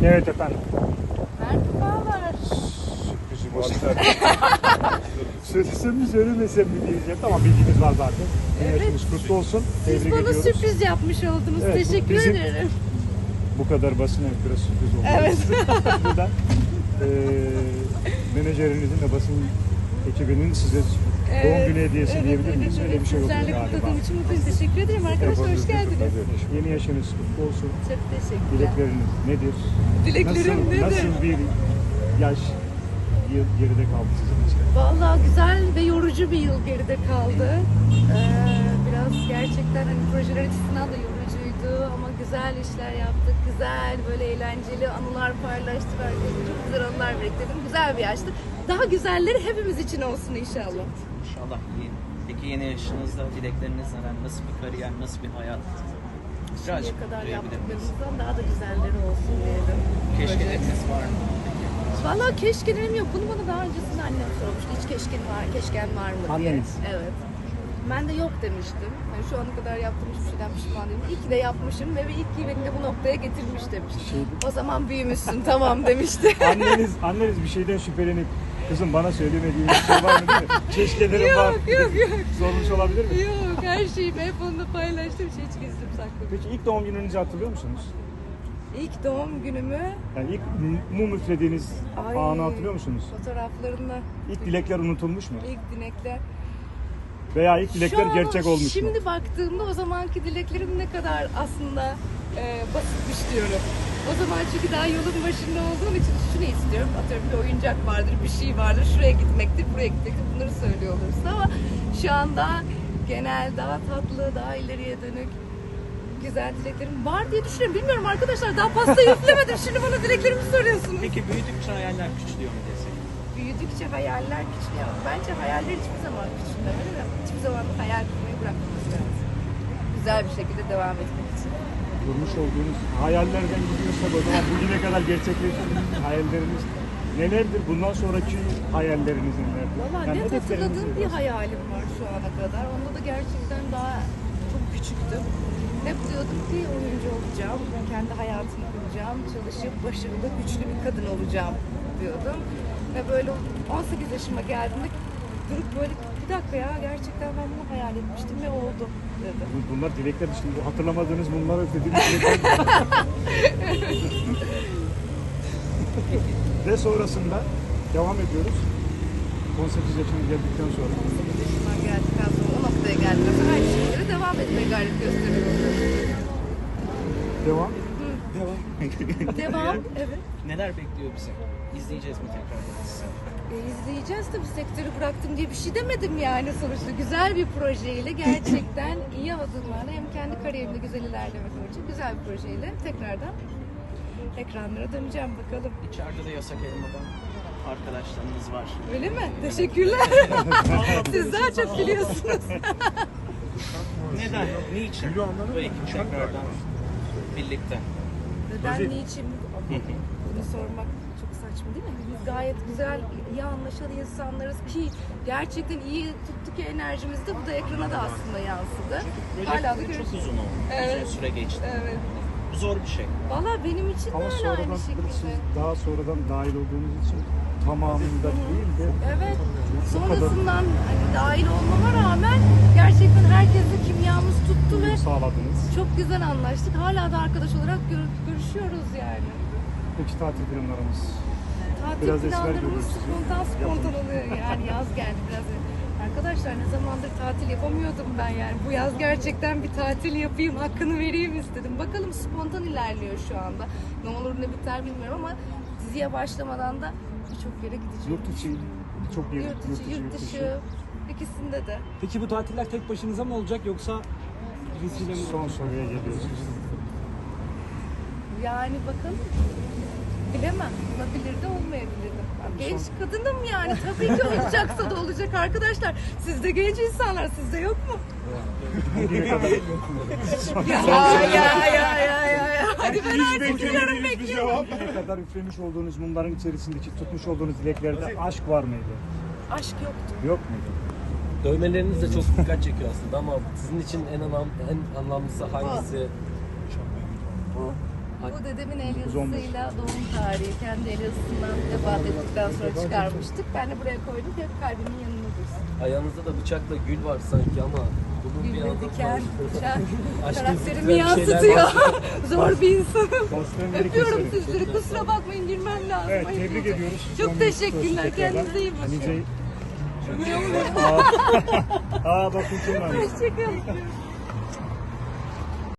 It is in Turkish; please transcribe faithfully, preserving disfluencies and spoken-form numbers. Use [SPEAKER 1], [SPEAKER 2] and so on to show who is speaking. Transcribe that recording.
[SPEAKER 1] Evet efendim.
[SPEAKER 2] Merhabalar.
[SPEAKER 1] Sürprizim var. Söylesem mi söylemesem mi diyeceğim. Tamam, bilginiz var zaten.
[SPEAKER 2] Evet.
[SPEAKER 1] Yaşınız kutlu olsun.
[SPEAKER 2] Siz
[SPEAKER 1] Tebrik
[SPEAKER 2] bana
[SPEAKER 1] ediyoruz.
[SPEAKER 2] sürpriz yapmış oldunuz.
[SPEAKER 1] Evet, bu
[SPEAKER 2] Teşekkür
[SPEAKER 1] bizim-
[SPEAKER 2] ederim.
[SPEAKER 1] Bu kadar basına biraz sürpriz oldu.
[SPEAKER 2] Evet.
[SPEAKER 1] Buradan eee menajerinizin ve basın ekibinin size doğum günü hediyesi
[SPEAKER 2] evet,
[SPEAKER 1] diyebilir
[SPEAKER 2] evet,
[SPEAKER 1] miyiz?
[SPEAKER 2] evet.
[SPEAKER 1] Öyle bir şey oldu
[SPEAKER 2] Sizlerle
[SPEAKER 1] galiba.
[SPEAKER 2] kutladığım için mutluyum. Teşekkür ederim arkadaşlar. Hoş geldiniz.
[SPEAKER 1] Tabii. Yeni yaşınız kutlu olsun.
[SPEAKER 2] Çok teşekkürler.
[SPEAKER 1] Dilekleriniz nedir?
[SPEAKER 2] Dileklerim
[SPEAKER 1] nasıl,
[SPEAKER 2] nedir?
[SPEAKER 1] Nasıl bir yaş yıl geride kaldı sizin için?
[SPEAKER 2] Vallahi güzel ve yorucu bir yıl geride kaldı. Ee, biraz gerçekten hani projeler açısından da yorucuydu ama güzel işler yaptık. Güzel, böyle eğlenceli anılar paylaştık. Herkese çok güzel anılar biriktirdim. Güzel bir yaştı. Daha güzelleri hepimiz için olsun inşallah.
[SPEAKER 3] İnşallah iyi. Peki yeni yaşınızda dilekleriniz neler? Nasıl bir kariyer, nasıl bir hayat?
[SPEAKER 2] Şimdiye
[SPEAKER 3] Birazcık
[SPEAKER 2] kadar
[SPEAKER 3] duyabilir miyiz?
[SPEAKER 2] yaptıklarımızdan daha da güzelleri olsun diyelim.
[SPEAKER 3] Keşkeleriniz var mı?
[SPEAKER 2] Valla keşkelerim yok. Bunu bana daha öncesinde annem sormuştu. Hiç keşken var, keşken var mı diye.
[SPEAKER 1] Anneniz?
[SPEAKER 2] Evet. Ben de yok demiştim. Yani şu ana kadar yaptığım hiçbir şeyden pişman değilim. İyi ki de yapmışım ve iyi ki beni de bu noktaya getirmiş demişti.
[SPEAKER 1] Şeydi.
[SPEAKER 2] O zaman büyümüşsün tamam demişti.
[SPEAKER 1] Anneniz, anneniz bir şeyden şüphelenip kızım bana söylemediğin bir şey var mı değil mi? Keşkelerim var.
[SPEAKER 2] yok yok yok.
[SPEAKER 1] Sormuş olabilir mi?
[SPEAKER 2] Yok her şeyimi hep onunla paylaştım. Hiç gizlim sakladım.
[SPEAKER 1] Peki ilk doğum gününüzü hatırlıyor musunuz?
[SPEAKER 2] İlk doğum günümü
[SPEAKER 1] Yani ilk mum üflediğiniz
[SPEAKER 2] Ay.
[SPEAKER 1] anı hatırlıyor musunuz?
[SPEAKER 2] fotoğraflarında
[SPEAKER 1] İlk dilekler unutulmuş mu?
[SPEAKER 2] ilk dilekler.
[SPEAKER 1] Veya ilk dilekler
[SPEAKER 2] Şu an
[SPEAKER 1] gerçek olmuş mu?
[SPEAKER 2] Şimdi baktığımda o zamanki dileklerim ne kadar aslında e, basitmiş diyorum. O zaman çünkü daha yolun başında olduğum için şunu istiyorum. Atıyorum bir oyuncak vardır, bir şey vardır. Şuraya gitmektir, buraya gitmektir. Bunları söylüyor olursun ama şu anda genel, daha tatlı, daha ileriye dönük güzel dileklerim var diye düşünüyorum. Bilmiyorum arkadaşlar, daha pastayı üflemedim. Şimdi bana dileklerimi soruyorsunuz.
[SPEAKER 3] Peki büyüdükçe hayaller küçülüyor mu desek?
[SPEAKER 2] Büyüdükçe hayaller küçülüyor. Bence hayaller hiçbir zaman küçülmemeli ve hiçbir zaman hayal kurmayı bırakmamız lazım. Güzel bir şekilde devam etmek için.
[SPEAKER 1] Kurmuş olduğunuz hayallerden gidiyorsak o zaman bugüne kadar gerçekleştirdiğiniz hayalleriniz nelerdir? Bundan sonraki hayalleriniz nelerdir?
[SPEAKER 2] Valla
[SPEAKER 1] Yani
[SPEAKER 2] net
[SPEAKER 1] hedefleriniz
[SPEAKER 2] hatırladığım
[SPEAKER 1] nedir?
[SPEAKER 2] bir hayalim var şu ana kadar. Onda da gerçekten daha çok küçüktüm. Hep diyordum ki oyuncu olacağım, kendi hayatımı kuracağım, çalışıp başarılı, güçlü bir kadın olacağım diyordum. Ve böyle on sekiz yaşıma geldiğimde durup böyle bir dakika ya gerçekten ben bunu hayal etmiştim ve oldu dedim.
[SPEAKER 1] Bu- Bunlar dilekler şimdi hatırlamadığınız bunlar ödediğiniz dilekler. Ve sonrasında devam ediyoruz. on sekiz yaşına geldikten sonra.
[SPEAKER 2] on sekiz yaşıma geldikten sonra o noktaya geldikten sonra aynı şeylere devam etmeye gayret gösteriyorum.
[SPEAKER 1] Devam.
[SPEAKER 2] Devam, evet.
[SPEAKER 3] Neler bekliyor bizi? İzleyeceğiz mi tekrardan sizi?
[SPEAKER 2] E, izleyeceğiz tabii, sektörü bıraktım diye bir şey demedim yani sonuçta. Güzel bir projeyle gerçekten iyi adımlarla hem kendi kariyerimde güzel ilerlemek için güzel bir projeyle tekrardan ekranlara döneceğim bakalım.
[SPEAKER 3] İçeride de yasak elmadan arkadaşlarınız var.
[SPEAKER 2] Öyle mi? Teşekkürler. Siz daha çok biliyorsunuz.
[SPEAKER 3] Neden? Niçin? Bu ekip tekrardan birlikte.
[SPEAKER 2] Neden, niçin? Bunu sormak çok saçma değil mi? Biz gayet güzel, iyi anlaşan insanlarız ki gerçekten iyi tuttu ki enerjimiz de bu da ekrana da aslında yansıdı. Hala da
[SPEAKER 3] Proje çok
[SPEAKER 2] görüyoruz.
[SPEAKER 3] uzun oldu.
[SPEAKER 2] Evet.
[SPEAKER 3] Uzun süre geçti.
[SPEAKER 2] Evet.
[SPEAKER 3] Bu zor bir şey.
[SPEAKER 2] Valla benim için de
[SPEAKER 1] Ama
[SPEAKER 2] öyle
[SPEAKER 1] sonradan
[SPEAKER 2] aynı
[SPEAKER 1] siz
[SPEAKER 2] şekilde.
[SPEAKER 1] daha sonradan dahil olduğunuz için tamamında değil de
[SPEAKER 2] Evet. Sonrasından hani dahil olmama rağmen gerçekten herkesle kimyamız tuttu ve
[SPEAKER 1] sağladınız.
[SPEAKER 2] çok güzel anlaştık. Hala da arkadaş olarak gör- görüşüyoruz yani.
[SPEAKER 1] Peki tatil planlarımız?
[SPEAKER 2] Tatil
[SPEAKER 1] Biraz esmer
[SPEAKER 2] planlarımız
[SPEAKER 1] görüyoruz sizi.
[SPEAKER 2] spontan spontan oluyor. Yani yaz geldi biraz. Arkadaşlar ne zamandır tatil yapamıyordum ben yani. Bu yaz gerçekten bir tatil yapayım, hakkını vereyim istedim. Bakalım spontan ilerliyor şu anda. Ne olur ne biter bilmiyorum ama diziye başlamadan da birçok yere gideceğim.
[SPEAKER 1] Yurt içi çok yer.
[SPEAKER 2] Yurt içi, yurt dışı. İkisinde de.
[SPEAKER 4] Peki bu tatiller tek başınıza mı olacak yoksa birisiyle mi?
[SPEAKER 1] Son soruya geliyoruz.
[SPEAKER 2] Yani bakalım. Bilemem. Olabilir de olmayabilir de. Genç kadınım yani. Tabii ki olacaksa da olacak arkadaşlar. Siz de genç insanlar. Sizde yok mu?
[SPEAKER 1] Bugüne kadar
[SPEAKER 2] Ya ya ya ya ya ya. Hadi ben
[SPEAKER 1] hiç
[SPEAKER 2] artık
[SPEAKER 1] beklemediğiniz
[SPEAKER 2] bekliyorum.
[SPEAKER 1] bir cevap. Bugüne kadar üflemiş olduğunuz mumların içerisindeki tutmuş olduğunuz dileklerde aşk var mıydı?
[SPEAKER 2] Aşk yoktu.
[SPEAKER 1] Yok muydu?
[SPEAKER 5] Dövmeleriniz de çok dikkat çekiyor aslında ama sizin için en anlam en anlamlısı hangisi?
[SPEAKER 2] Bu. Bu dedemin el yazısıyla doğum tarihi. Kendi el yazısından vefat ettikten sonra çıkarmıştık. Ben de buraya koydum ki hep kalbimin yanında dursun.
[SPEAKER 5] Ayağınızda da bıçakla gül var sanki ama bunun bir
[SPEAKER 2] Gül ve
[SPEAKER 5] anlamı
[SPEAKER 2] diken,
[SPEAKER 5] var.
[SPEAKER 2] bıçak,
[SPEAKER 5] Aşkın
[SPEAKER 2] karakterimi
[SPEAKER 5] zıplayan şeyler
[SPEAKER 2] yansıtıyor.
[SPEAKER 5] var.
[SPEAKER 2] Zor bir insanım.
[SPEAKER 1] Pastanları
[SPEAKER 2] Öpüyorum
[SPEAKER 1] keselim.
[SPEAKER 2] sizleri. Kusura bakmayın, girmem lazım.
[SPEAKER 1] Evet,
[SPEAKER 2] Ayıp
[SPEAKER 1] tebrik
[SPEAKER 2] olacak.
[SPEAKER 1] ediyoruz.
[SPEAKER 2] Çok
[SPEAKER 1] Son
[SPEAKER 2] teşekkürler.
[SPEAKER 1] bir tekrardan.
[SPEAKER 2] Kendinize iyi bakın.
[SPEAKER 1] Hanice...
[SPEAKER 2] Ne oluyor?
[SPEAKER 1] Aa, aa bakın kim var.
[SPEAKER 2] Hoşçakalın.